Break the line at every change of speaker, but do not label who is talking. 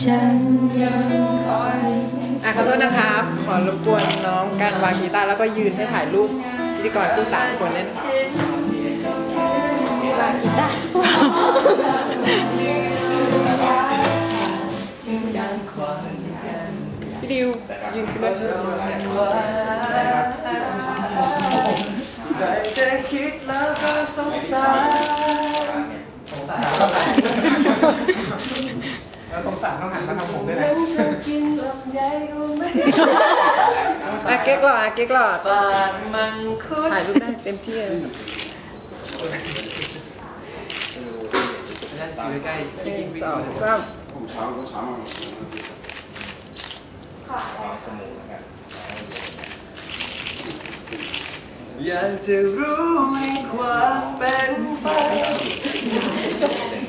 ฉันยังคอย
ขอโทษนะครับ ขอรบกวนน้องการวางกีตาร์แล้วก็ยืนให้ถ่ายรูปพิธีกรคู่3 คนเนี่ย
วางกีตาร์
พี่ดิวยืนขึ้นมา
ได้แต่คิดแล้วก็สงสารสงสารต้องหันมาทำผมด้วยนะ
เก๊กหลอดเก๊กหลอด
ปากมังคุด
ถ่ายรูปได้เต็มที่เลย
นั่นซื้อใกล้ที่กินวิ่ง
2 3
ผมช้าก็ช้ามา
อยากจะรู้ในความเป็นไป